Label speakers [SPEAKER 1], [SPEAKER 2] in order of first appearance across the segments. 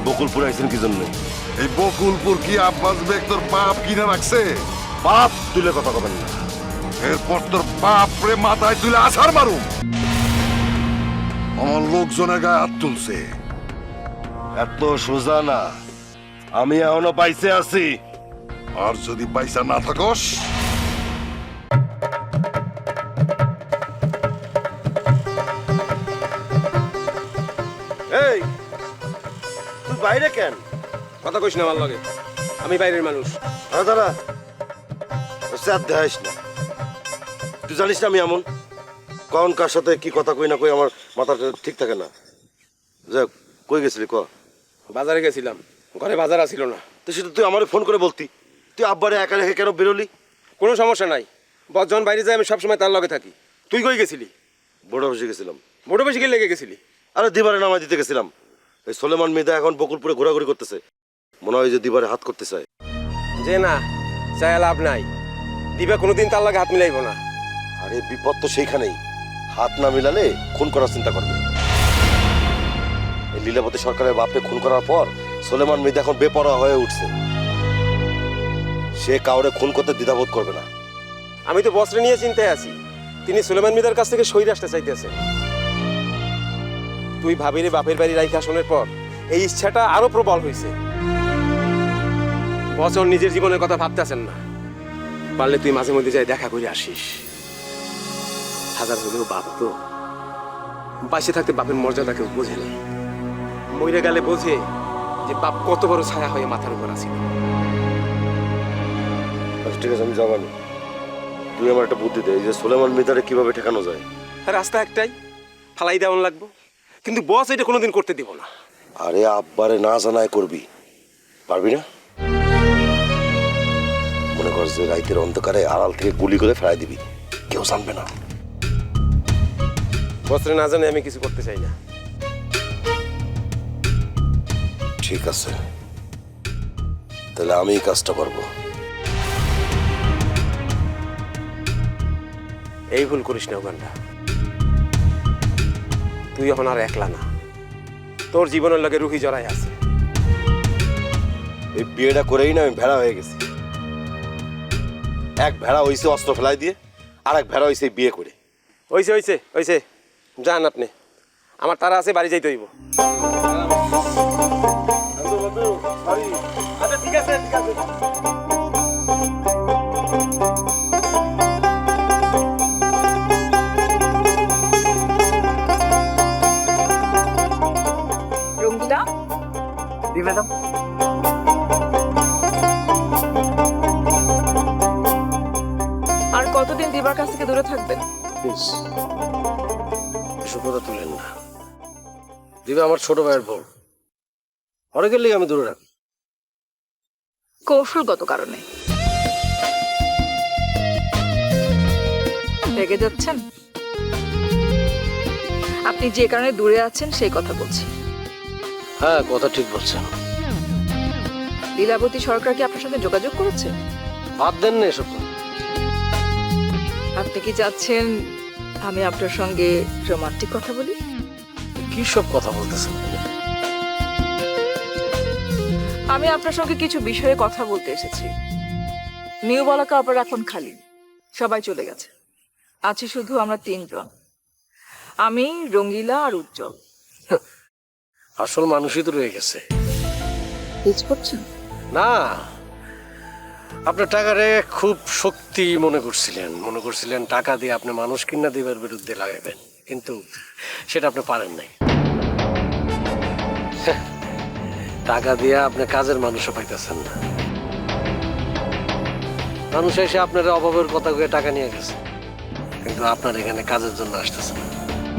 [SPEAKER 1] বকুলপুর আইছেন কি জন্য?
[SPEAKER 2] এই বকুলপুর কি আব্বাস বেগ তোর বাপ কিনে রাখছে?
[SPEAKER 1] বাপ তুলে কথা কবেন না।
[SPEAKER 2] এরপর তোর বাপ রে মাথায় তুলে আছাড় মারুম। আমার লোকজনের গায়ে হাত তুলছে।
[SPEAKER 1] এত সোজা না, আমি এখনো পাইছে আছি।
[SPEAKER 2] আর যদি পয়সা না থাকস,
[SPEAKER 1] এই তুই বাইরে কেন?
[SPEAKER 3] কথা কইস না আমার লগে, আমি বাইরের মানুষ।
[SPEAKER 1] আরে দাঁড়া, চার দেখাইস না। তুই জানিস না আমি এমন কখন কার সাথে কি কথা কই না কই আমার মাথাটা ঠিক থাকে না। যাক, কই গেছিলি ক?
[SPEAKER 3] বাজারে গেছিলাম, ঘরে বাজার আসিল না।
[SPEAKER 1] তো সেটা তুই আমারে ফোন করে বলতি। তুই আব্বারে একা রেখে কেন বেরোলি?
[SPEAKER 3] কোনো সমস্যা নাই, বস যখন বাইরে যায় আমি সবসময় তার লগে থাকি। তুই কই গেছিলি?
[SPEAKER 1] বড় বসে গেছিলাম।
[SPEAKER 3] বড় বেশি লেগে গেছিলি?
[SPEAKER 1] আরে দিবারে নামাই দিতে গেছিলাম। এই সোলেমান মিদা এখন বকুলপুরে ঘোরাঘুরি করতেছে, মনে হয় যে দিবারে হাত করতে চায়।
[SPEAKER 3] যে না, চাই লাভ নাই। দিবা কোনোদিন তার লগে হাত মিলাইব না।
[SPEAKER 1] আরে বিপদ তো সেইখানেই, হাত না মিলালে খুন করার চিন্তা করবে। এই লীলাবতী সরকারের বাপকে খুন করার পর সোলেমান মিদা এখন বেপরোয়া হয়ে উঠছে। সে কাউরে খুন করতে দ্বিধাবোধ করবে না।
[SPEAKER 3] আমি তো বসরে নিয়ে চিন্তায় আছি, তিনি সুলেমান মিদার কাছ থেকে সই আসতে চাইতেছে। তুই ভাবিরে বাপের বাড়ি রাইখা শোনের পর এই ইচ্ছাটা আরো প্রবল হয়েছে। বছর নিজের জীবনের কথা ভাবতেছেন না। পারলে তুই মাঝে মধ্যে যাই দেখা করে আসিস। হাজার হলেও বাপ তো, বাইসে থাকতে বাপের মর্যাদা কেউ বোঝে না। মইরে গেলে বোঝে যে বাপ কত বড় ছায়া হয়ে মাথার উপর আসিল।
[SPEAKER 1] আচ্ছা ঠিক আছে, আমি যাবানি। তুই আমার একটা বুদ্ধি দে, এই যে সোলেমান মিদারে কিভাবে ঠেকানো যায়।
[SPEAKER 3] রাস্তা একটাই, ফালাই দেওয়ান লাগবো। কিন্তু বস এটা কোনোদিন করতে দিব না।
[SPEAKER 1] আরে আব্বারে না জানায় করবি, পারবি না? মনে কর যে রাইতের অন্ধকারে আড়াল থেকে গুলি করে ফেলাই দিবি, কেউ জানবে না।
[SPEAKER 3] বসরে না জানে আমি কিছু করতে চাই না।
[SPEAKER 1] ঠিক আছে, তাহলে আমি এই কাজটা করবো।
[SPEAKER 3] এই ভুল করিস না ওখানটা। তুই এখন আর একলা না, তোর জীবনের লগে রুহি জড়াই আছে।
[SPEAKER 1] এই বিয়েটা করেই না আমি ভেড়া হয়ে গেছি। এক ভেড়া হইছে অস্ত্র ফেলাই দিয়ে, আর এক ভেড়া হইছে বিয়ে করে।
[SPEAKER 3] হইছে হইছে হইছে, যান আপনি, আমার তারা আছে, বাড়ি যাইতে হইব। আচ্ছা ঠিক আছে ঠিক আছে।
[SPEAKER 4] রঙ্গিলা,
[SPEAKER 5] জি ম্যাডাম।
[SPEAKER 4] আর কতদিন দিবার কাছ থেকে দূরে থাকবেন?
[SPEAKER 5] প্লিজ এসব কথা তুলেন না। দিবা আমার ছোট ভাইয়ের বউ, অনেকের লিগে আমি দূরে রাখি।
[SPEAKER 4] কৌশলগত কারণে রেগে যাচ্ছেন? আপনি যে কারণে দূরে আছেন সেই কথা বলছি।
[SPEAKER 5] হ্যাঁ, কথা ঠিক বলছেন।
[SPEAKER 4] লীলাবতী সরকার কি আপনার সঙ্গে যোগাযোগ করেছে?
[SPEAKER 5] বাদ দেন না এসব কথা।
[SPEAKER 4] আপনি কি চাচ্ছেন আমি আপনার সঙ্গে রোমান্টিক কথা বলি?
[SPEAKER 5] কি সব কথা বলতেছেন?
[SPEAKER 4] আমি আপনার সঙ্গে কিছু বিষয়ে কথা বলতে এসেছি। নিউ বলাকা আবার এখন খালি, সবাই চলে গেছে। আছি শুধু আমরা তিনজন, আমি, রঙ্গিলা আর উজ্জ্বল।
[SPEAKER 5] আসল মানুষই তো রয়ে গেছে।
[SPEAKER 4] হিচ করছেন?
[SPEAKER 5] না, আপনার টাকারে খুব শক্তি মনে করছিলেন টাকা দিয়ে আপনি মানুষ কিনা দিবার বিরুদ্ধে লাগাবেন, কিন্তু সেটা আপনি পারেন নাই। টাকা দিয়ে আপনি কাজের মানুষও পাইতেছেন না। মানুষ এসে আপনার অভাবের কথা কয়ে টাকা নিয়ে গেছে, কিন্তু আপনার এখানে কাজের জন্য আসতেছে না।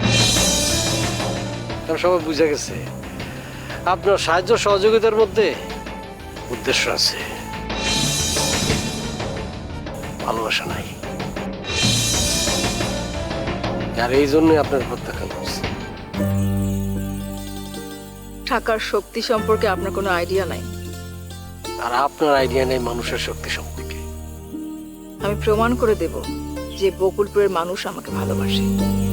[SPEAKER 5] কারণ সবাই বুঝে গেছে আপনার সাহায্য সহযোগিতার মধ্যে উদ্দেশ্য আছে, ভালোবাসা নাই। আর এই জন্যই আপনার প্রত্যাখ্যান করছে।
[SPEAKER 4] টাকার শক্তি সম্পর্কে আপনার কোনো আইডিয়া নাই।
[SPEAKER 5] আর আপনার আইডিয়া নেই মানুষের শক্তি সম্পর্কে।
[SPEAKER 4] আমি প্রমাণ করে দেব যে বকুলপুরের মানুষ আমাকে ভালোবাসে।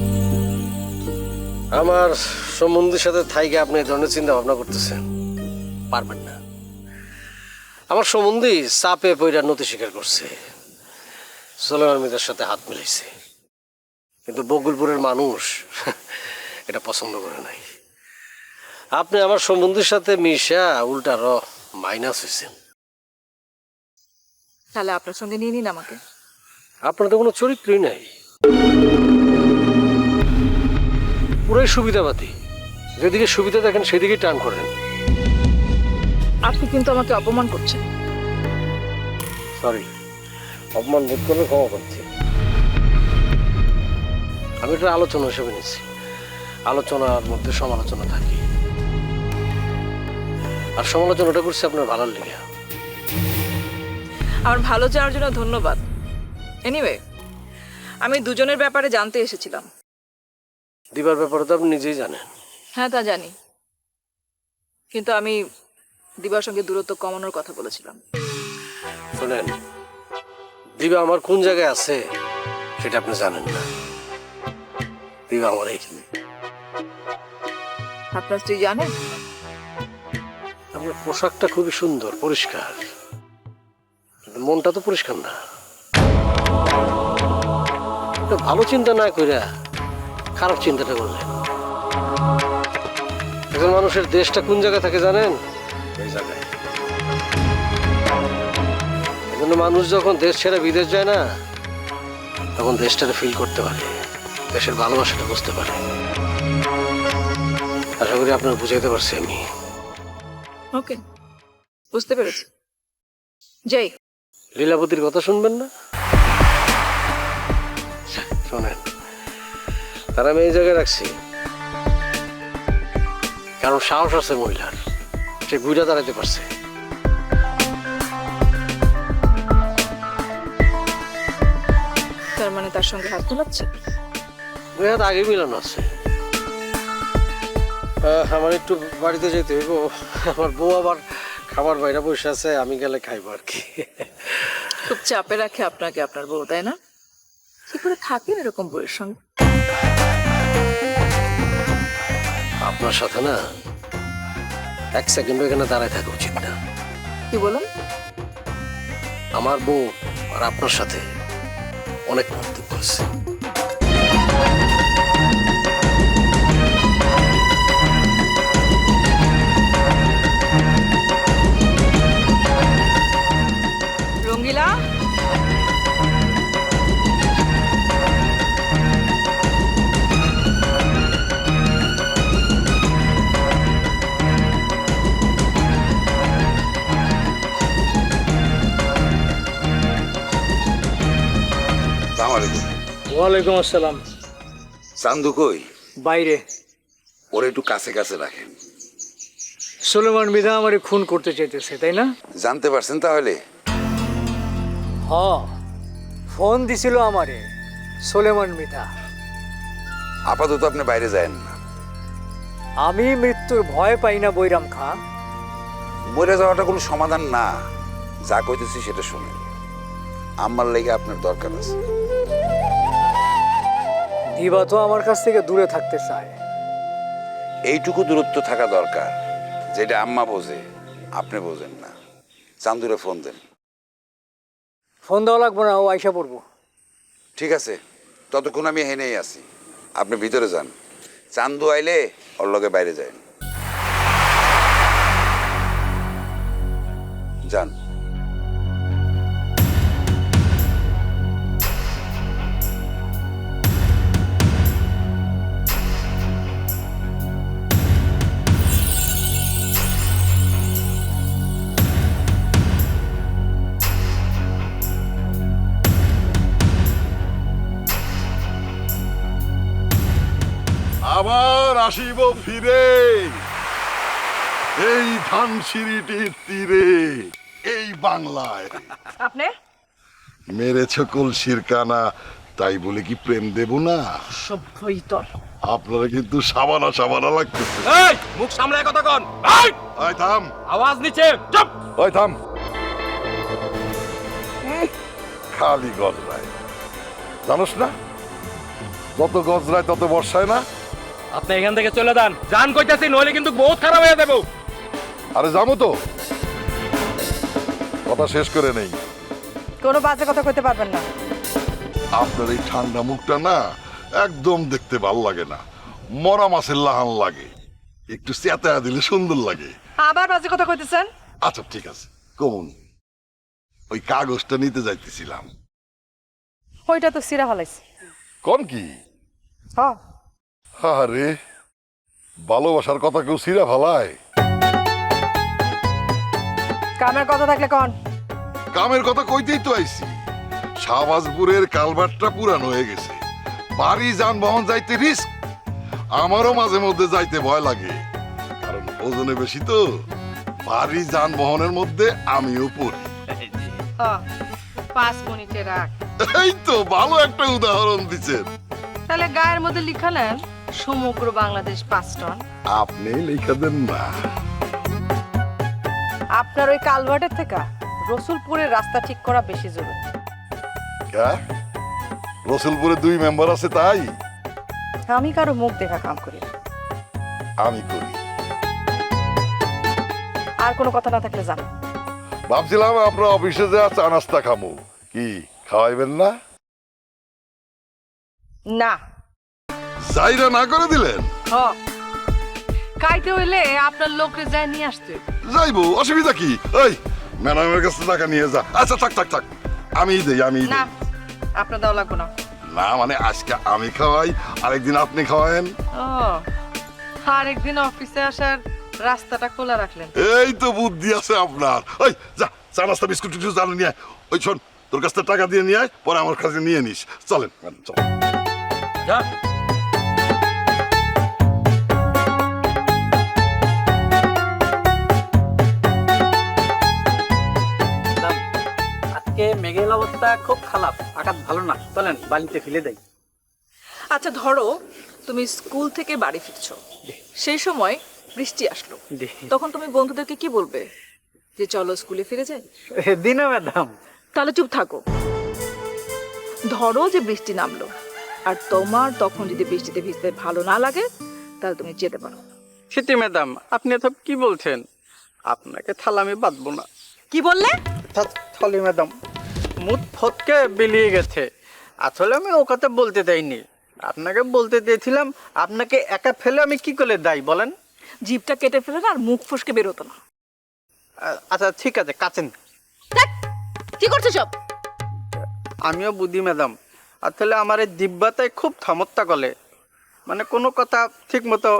[SPEAKER 5] আমার সম্বন্ধের সাথে থাইকে আপনি এই ধরনের চিন্তা ভাবনা করতেছেন, পারবেন না। আমার সম্বন্ধে চাপে পইরা নতি স্বীকার করছে, সোলেমান মির্জার সাথে হাত মিলাইছে, কিন্তু বকুলপুরের মানুষ এটা পছন্দ করে নাই। আপনি আমার সম্বন্ধের সাথে মিশা উল্টার মাইনাস হয়েছেন।
[SPEAKER 4] তাহলে আপনার সঙ্গে নিয়ে নিন আমাকে।
[SPEAKER 5] আপনার তো কোনো চরিত্রই নাই, পুরাই সুবিধাবাদী। যেদিকে সুবিধা দেখেন সেদিকে টান করেন।
[SPEAKER 4] আপনি কিন্তু আমাকে অপমান করছেন।
[SPEAKER 5] সরি, অপমান বোধ করলে ক্ষমা করছি। আমি এটা আলোচনা হিসেবে নিচ্ছি, আলোচনার মধ্যে সমালোচনা থাকি, আর সমালোচনাটা করছি আপনার ভালোর লেগে।
[SPEAKER 4] আমার ভালো চাওয়ার জন্য ধন্যবাদ। এনিওয়ে, আমি দুজনের ব্যাপারে জানতে এসেছিলাম।
[SPEAKER 5] দিবার ব্যাপারে তো আপনি নিজেই জানেন।
[SPEAKER 4] হ্যাঁ, তা জানি, কিন্তু আমি দিবার সঙ্গে দূরত্ব কমানোর কথা বলেছিলাম।
[SPEAKER 5] শোনেন, দিবা আমার কোন জায়গায় আছে সেটা আপনি জানেন না। দিবা আমার এইখানে।
[SPEAKER 4] আপনার স্ত্রী জানেন?
[SPEAKER 5] আপনার পোশাকটা খুবই সুন্দর, পরিষ্কার, কিন্তু মনটা তো পরিষ্কার না। একটা ভালো চিন্তা না কইরা খারাপ চিন্তাটা করলেন। একজন মানুষের দেশটা কোন জায়গায় থাকে জানেন? ওই জায়গায়। এজন্য মানুষ যখন দেশ ছেড়ে বিদেশ যায় না, তখন দেশটাকে ফিল করতে পারে, দেশের ভালোবাসাটা বুঝতে পারে। আশা করি আপনার বুঝাইতে পারছি আমি।
[SPEAKER 4] ওকে, বুঝতে পেরেছি। যাই।
[SPEAKER 5] লীলাবতীর কথা শুনবেন না? শোনেন, তারা আমি এই জায়গায় রাখছি কারণ সাহস আছে মহিলার, সে ঘুরে দাঁড়াতে পারছে।
[SPEAKER 4] তার মানে তার সঙ্গে হাত মিলাচ্ছে?
[SPEAKER 5] ওই হাত আগে মিলানো আছে। আমার একটু বাড়িতে যেতে হইব, আমার বউ আবার খাবার বাইরে বসে আছে, আমি গেলে খাইবো আর কি।
[SPEAKER 4] খুব চাপে রাখে আপনাকে আপনার বউ, তাই না? কি করে থাকেন এরকম বউয়ের সঙ্গে?
[SPEAKER 5] আপনার সাথে না এক সেকেন্ড এখানে দাঁড়ায় থাকা উচিত না।
[SPEAKER 4] কি বলেন?
[SPEAKER 5] আমার বউ আর আপনার সাথে অনেক পার্থক্য আছে।
[SPEAKER 4] রঙ্গিলা,
[SPEAKER 6] ওয়ালাইকুম আসসালাম।
[SPEAKER 7] চান্দু কই?
[SPEAKER 6] বাইরে।
[SPEAKER 7] ওরা একটু কাছে কাছে রাখেন।
[SPEAKER 6] সোলেমান মৃধা আমারে খুন করতে চাইতেছে, তাই না?
[SPEAKER 7] জানতে পারছেন তাহলে?
[SPEAKER 6] হ, ফোন দিছিল আমারে সোলেমান মৃধা।
[SPEAKER 7] আপাতত আপনি বাইরে যায়েন না।
[SPEAKER 6] আমি মৃত্যুর ভয় পাই না বৈরাম খা।
[SPEAKER 7] মরে যাওয়াটা কোনো সমাধান না। যা কইতেছি সেটা শুনেন। আমার লেগে আপনার দরকার আছে।
[SPEAKER 6] দিবা তো আমার কাছ থেকে দূরে থাকতে চায়।
[SPEAKER 7] এইটুকু দূরত্ব থাকা দরকার, যেটা আম্মা বোঝে আপনি বোঝেন না। চান্দুরে ফোন দেন।
[SPEAKER 6] ফোন দেওয়া লাগবো না, ও আইসা পড়বো।
[SPEAKER 7] ঠিক আছে, ততক্ষণ আমি হেনেই আছি। আপনি ভিতরে যান। চান্দু আইলে ওর লগে বাইরে যান। যান।
[SPEAKER 2] আবার আসিব ফিরে এই ধানসিঁড়িটির তীরে, এই বাংলায়।
[SPEAKER 4] আপনি
[SPEAKER 2] মেরেছ কলসির কানা, তাই বলে কি প্রেম দেব না?
[SPEAKER 4] সভ্যই তর।
[SPEAKER 2] আপনারা কিন্তু সাবানা সাবানা লাগতেছে।
[SPEAKER 3] এই মুখ সামলায় কথা কন। এই
[SPEAKER 2] ওই থাম,
[SPEAKER 3] আওয়াজ নিচে, চুপ।
[SPEAKER 2] ওই থাম। খালি গজরায়, জানোস না যত গজরায় তত বর্ষায় না।
[SPEAKER 3] আপনি এখান থেকে চলে যান, জান কইতাছি, নইলে কিন্তু বহুত খারাপ হয়ে যাবো।
[SPEAKER 2] আরে যাবো তো, কথা শেষ করে নেই।
[SPEAKER 8] কোনো বাজে কথা কইতে পারবেন না।
[SPEAKER 2] আপনার এই ঠান্ডা মুখটা না একদম দেখতে ভাল লাগে না, মরা মাছের লাহান লাগে, একটু চেতায়া দিলে সুন্দর লাগে।
[SPEAKER 8] আবার বাজে কথা কইতেছেন?
[SPEAKER 2] আচ্ছা ঠিক আছে, কমন ওই কাগজটা নিতে যাইতেছিলাম।
[SPEAKER 8] ওইটা তো সিরা ফলাইছে।
[SPEAKER 2] কোন কি?
[SPEAKER 8] হ্যাঁ,
[SPEAKER 2] আরে ভালোবাসার কথা কেউ ছিঁড়া ফালায়?
[SPEAKER 8] কামের কথা থাকলে কন।
[SPEAKER 2] কামের কথা কইতেই তো আইছি। শাহবাজপুরের কালভারটা পুরানো হয়ে গেছে, বাড়ি যানবাহন যাইতে রিস্ক। আমারও মাঝে মধ্যে যাইতে ভয় লাগে, কারণ ওজনে বেশি তো। বাড়ি যানবাহনের মধ্যে আমিও পড়ি।
[SPEAKER 8] 5 মিনিটে রাখ।
[SPEAKER 2] এই তো ভালো একটা উদাহরণ দিচ্ছেন।
[SPEAKER 8] তাহলে গায়ের মধ্যে লিখা নেন সমগ্র বাংলাদেশ 5 টন।
[SPEAKER 2] আপনি লিখে দেন না।
[SPEAKER 8] আপনার ওই কালভার্টের থেকে রসুলপুরের রাস্তা ঠিক করা বেশি জরুরি।
[SPEAKER 2] কা? রসুলপুরে 2 মেম্বার আছে তাই?
[SPEAKER 8] আমি কারো মুখ দেখা কাম করি না।
[SPEAKER 2] আমি করি।
[SPEAKER 8] আর কোনো কথা না থাকলে জান।
[SPEAKER 2] ভাবছিলাম আপনার অফিসে যা চা নাস্তা খামু, কি খাওয়াইবেন না?
[SPEAKER 8] না।
[SPEAKER 2] যাইরা না করে দিলেন?
[SPEAKER 8] হ, খাইতে হইলে আপনার লোকরে যায় নিয়ে আসতে।
[SPEAKER 2] যাইবো, অসুবিধা কি? ওই ম্যাডামের কাছে টাকা নিয়ে যা। আচ্ছা থাক থাক থাক, আমি দেই।
[SPEAKER 8] না, আপনার দাও লাগবো না।
[SPEAKER 2] না মানে আজকে আমি খাওয়াই, আরেকদিন আপনি খাওয়ায়েন।
[SPEAKER 8] ও, আরেকদিন অফিসে আসার রাস্তাটা খোলা রাখলেন।
[SPEAKER 2] এই তো বুদ্ধি আছে আপনার। ওই যা, চা নাস্তা বিস্কুট টিস্কুট জানো নিয়ে আয়। ওই শোন, তোর কাছ থেকে টাকা দিয়ে নিয়ে আয়, পরে আমার কাছে নিয়ে নিস। চলেন ম্যাডাম, চল।
[SPEAKER 6] আজকে মেঘের অবস্থা খুব খারাপ, আকাশ ভালো না, চলেন বালিতে ফেলে দেয়।
[SPEAKER 4] আচ্ছা ধরো তুমি স্কুল থেকে বাড়ি ফিরছো, সেই সময় বৃষ্টি আসলো, তখন তুমি বন্ধুদেরকে কি বলবে? যে চলো স্কুলে ফিরে যাই?
[SPEAKER 6] দিনা ম্যাডাম,
[SPEAKER 4] তাহলে চুপ থাকো। ধরো যে বৃষ্টি নামলো, আর তোমার তখন যদি বৃষ্টিতে ভিজতে ভালো না লাগে, তাহলে তুমি যেতে পারো।
[SPEAKER 6] সেটি ম্যাডাম, আপনি এসব কি বলছেন? আপনাকে থালা আমি বাঁধবো না।
[SPEAKER 4] কি বললে?
[SPEAKER 6] থলি ম্যাডাম, মুখ ফটকে বেরিয়ে গেছে। আসলে আমি ও কথা বলতে দেয়নি, আপনাকে বলতে দিয়েছিলাম। আপনাকে একা ফেলে আমি কি করে দেয় বলেন?
[SPEAKER 4] জিভটা কেটে ফেলে না, আর মুখ ফসকে বেরোতো না।
[SPEAKER 6] আচ্ছা ঠিক আছে, কাছেন।
[SPEAKER 4] ধ্যাৎ, কি করছো সব?
[SPEAKER 6] আমিও বুঝি ম্যাডাম, আসলে আমার এই দিব্যাটাই খুব থামত্তা গলে, মানে কোনো কথা ঠিক মতো।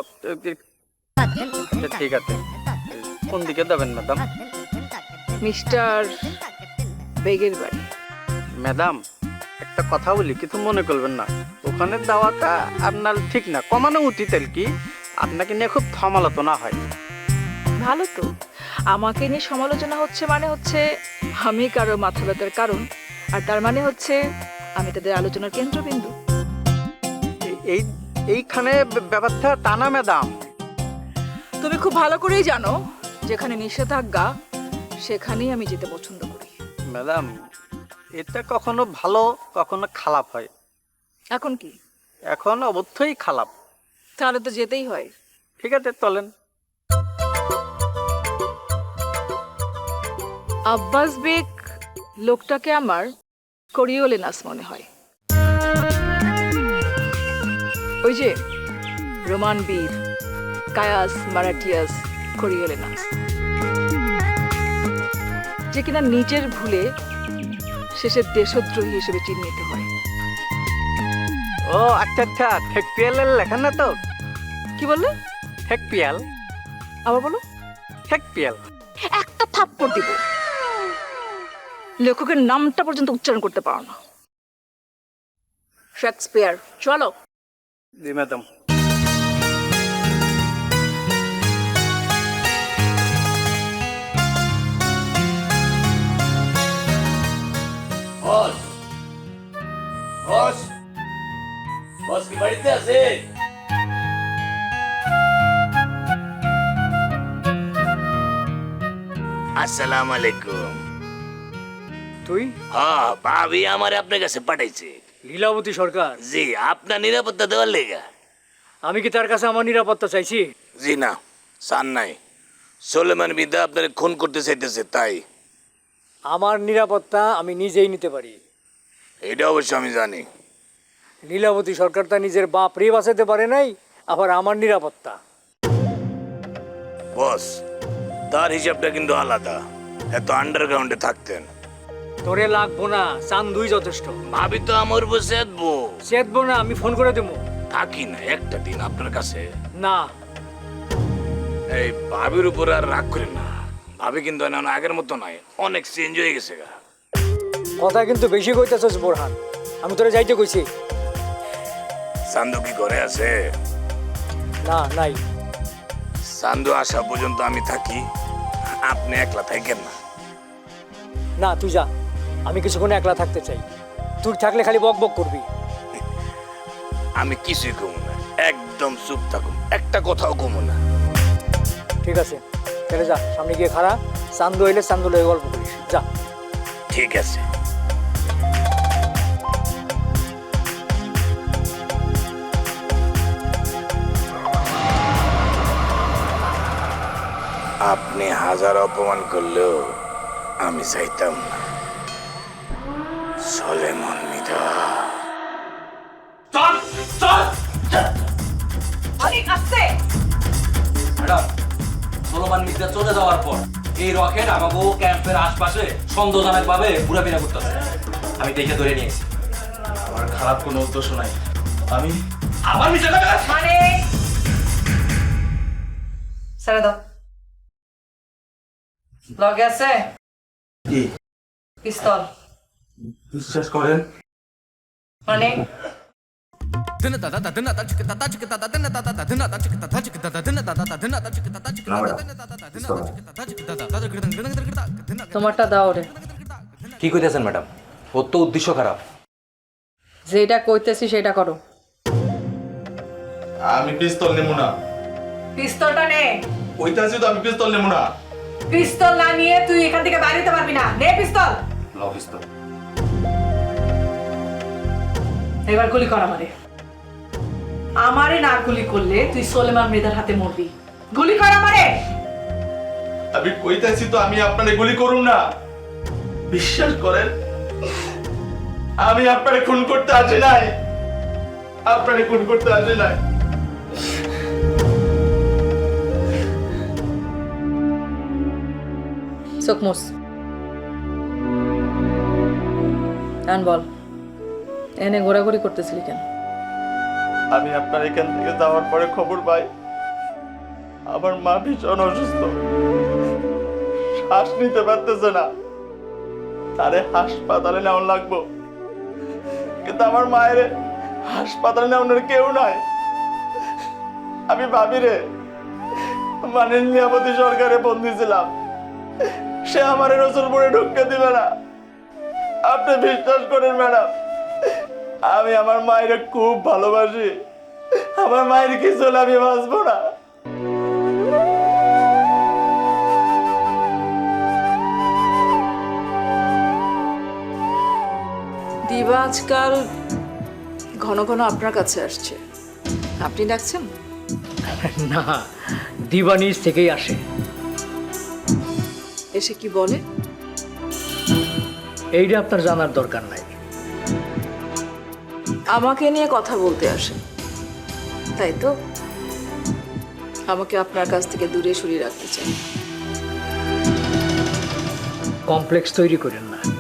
[SPEAKER 6] ঠিক আছে, কোন দিকে যাবেন ম্যাডাম?
[SPEAKER 4] মিস্টার বেগের বাড়ি।
[SPEAKER 6] ম্যাডাম একটা কথা বলি, কিছু মনে করবেন না। ওখানে দেওয়াটা আপনার ঠিক না, কমানো উচিত আর কি। আপনাকে নিয়ে খুব সমালোচনা হয়।
[SPEAKER 4] ভালো তো, আমাকে নিয়ে সমালোচনা হচ্ছে মানে হচ্ছে আমি কারো মাথা ব্যথার কারণ, আর তার মানে হচ্ছে আমি তাদের আলোচনার কেন্দ্রবিন্দু।
[SPEAKER 6] এই এইখানে ব্যাপারটা টানা ম্যাডাম।
[SPEAKER 4] তুমি খুব ভালো করেই জানো যেখানে নিষেধাজ্ঞা সেখানেই আমি যেতে পছন্দ করি।
[SPEAKER 6] ম্যাডাম এটা কখনো ভালো কখনো খারাপ হয়।
[SPEAKER 4] এখন কি?
[SPEAKER 6] এখন অবশ্যই খারাপ।
[SPEAKER 4] তাহলে তো যেতেই হয়।
[SPEAKER 6] ঠিক আছে চলেন।
[SPEAKER 4] আব্বাস বেগ লোকটাকে আমার করিওলেনাস মনে হয়। ওই যে রোমান বীর কায়াস মারাঠিয়াস করিওলেনাস, যে কিনা নিজের ভুলে শেষে দেশদ্রোহী হিসেবে চিহ্নিত হয়।
[SPEAKER 6] ও আচ্ছা আচ্ছা, ঠেক পিয়ালের লেখা না তো?
[SPEAKER 4] কি বললে?
[SPEAKER 6] ঠেক পিয়াল।
[SPEAKER 4] আবার বলো।
[SPEAKER 6] ঠেক পিয়াল।
[SPEAKER 4] একটা থাপ্পড় দিব, লেখকের নামটা পর্যন্ত উচ্চারণ করতে পারো না। শেক্সপিয়ার। চলো।
[SPEAKER 6] জি ম্যাডাম।
[SPEAKER 9] বস বস বস কি বাড়িতে আছে? আসসালামু আলাইকুম।
[SPEAKER 6] তুই?
[SPEAKER 9] হ্যাঁ, ভাবি আমার আপনার কাছে পাঠাইছে।
[SPEAKER 6] লীলাবতী সরকার?
[SPEAKER 9] জি, আপনার নিরাপত্তা দেওয়ার লেগা।
[SPEAKER 6] আমি কি তার কাছে আমার নিরাপত্তা চাইছি?
[SPEAKER 9] জি না, চান নাই। সোলেমান মিদা আপনার খুন করতে চাইতেছে তাই?
[SPEAKER 10] আমার নিরাপত্তা আমি নিজেই নিতে পারি।
[SPEAKER 9] এটা অবশ্য আমি জানি।
[SPEAKER 10] লীলাবতী সরকার তা নিজের বাপ রে বাঁচাতে পারে নাই, আবার আমার নিরাপত্তা।
[SPEAKER 9] বস, তার হিসাবটা কিন্তু আলাদা। এত আন্ডারগ্রাউন্ডে থাকতেন।
[SPEAKER 10] তোরে লাগবো না, চান্দুই যথেষ্ট।
[SPEAKER 9] ভাবি তো আমার উপর চেতবো।
[SPEAKER 10] চেতবো না, আমি ফোন করে দেবো।
[SPEAKER 9] থাকি না একটা দিন আপনার কাছে।
[SPEAKER 10] না,
[SPEAKER 9] এই ভাবির উপর আর রাগ করেন না। ভাবি কিন্তু এখন আগের মতো নয়, অনেক চেঞ্জ হয়ে গেছে গা।
[SPEAKER 10] কথা কিন্তু বেশি কইতেছস বোরহান, আমি তোরে যাইতে কইছি।
[SPEAKER 9] সান্দু কি ঘরে আছে?
[SPEAKER 10] না, নাই।
[SPEAKER 9] সান্দু আসা পর্যন্ত আমি থাকি, আপনি একলা থাকেন না।
[SPEAKER 10] না, তুই যা, আমি কিছুক্ষণ একলা থাকতে চাই। তুই থাকলে খালি বক বক করবি।
[SPEAKER 9] আমি কিছুই কমু না, একদম চুপ থাকুন, একটা কথাও কমু না।
[SPEAKER 10] ঠিক আছে, তাহলে যা, সামনে গিয়ে খাড়া। চান্দু হইলে চান্দু লয়ে গল্প করিস, যা।
[SPEAKER 9] ঠিক আছে। আপনি হাজার অপমান করলেও আমি চাইতাম না সোলেমান মিদা।
[SPEAKER 11] ম্যাডাম, সোলোমান মিত্রা চলে যাওয়ার পর এই রকেট আমাকে ক্যাম্পের আশপাশে সন্দেহজনকভাবে ঘুরাফেরা করতেছে। আমি দেখে ধরে নিয়েছি। আমার খারাপ কোনো উদ্দেশ্য নাই। আমি আমার মিশে
[SPEAKER 8] মানে ছেড়ে দাও। লগে আছে
[SPEAKER 11] কি
[SPEAKER 8] পিস্তল?
[SPEAKER 11] বিশ্বাস করেন,
[SPEAKER 8] মানে তোমারটা দাও রে।
[SPEAKER 11] কি কইতেছেন ম্যাডাম? ওর তো উদ্দেশ্য খারাপ।
[SPEAKER 8] যেটা কইতেছি সেটা করো।
[SPEAKER 12] আমি পিস্তল নেবো না।
[SPEAKER 8] পিস্তলটা নে।
[SPEAKER 12] কইতাছি তো আমি পিস্তল নেবো না।
[SPEAKER 8] পিস্তল না নিয়ে তুই এখান থেকে বাইরে যেতে পারবি না। নে পিস্তল।
[SPEAKER 11] লও পিস্তল।
[SPEAKER 8] এবার গুলি কর আমারে। আমারে না গুলি করলে তুই সোলেমান মৃধার হাতে মরবি। গুলি কর আমারে।
[SPEAKER 12] আমি কইতাছি তো আমি আপনারে গুলি করুম না। বিশ্বাস করেন, আমি আপনারে খুন করতে আসি নাই। আপনারে খুন করতে আসি নাই।
[SPEAKER 8] চোখমুস আন বল, এনে ঘোরাঘুরি করতেছিলি কেন?
[SPEAKER 12] আমি আপনার এখান থেকে যাওয়ার পরে খবর পাই আমার মা ভীষণ অসুস্থ, শ্বাস নিতে পারতেছে না, তারে হাসপাতালে নেওয়া লাগবো। কিন্তু আমার মায়ের হাসপাতালে নেওয়ার কেউ নাই। আমি ভাবি রে মানে লীলাবতী সরকারে বন্দি ছিলাম, সে আমার রসুলপুরে ঢুকতে দিবে না। আপনি বিশ্বাস করেন ম্যাডাম, আমি আমার মায়ের খুব ভালোবাসি। আমার মায়ের কিছু হলে আমি বাঁচবো না।
[SPEAKER 4] দিবা আজকাল ঘন ঘন আপনার কাছে আসছে, আপনি ডাকছেন?
[SPEAKER 10] না, দিবা নিজ থেকেই আসে।
[SPEAKER 4] এসে কি বলে?
[SPEAKER 10] এইটা আপনার জানার দরকার নাই।
[SPEAKER 4] আমাকে নিয়ে কথা বলতে আসে, তাই তো? আমাকে আপনার কাছ থেকে দূরে সরিয়ে রাখতে চাই।
[SPEAKER 10] কমপ্লেক্স তৈরি করেন না।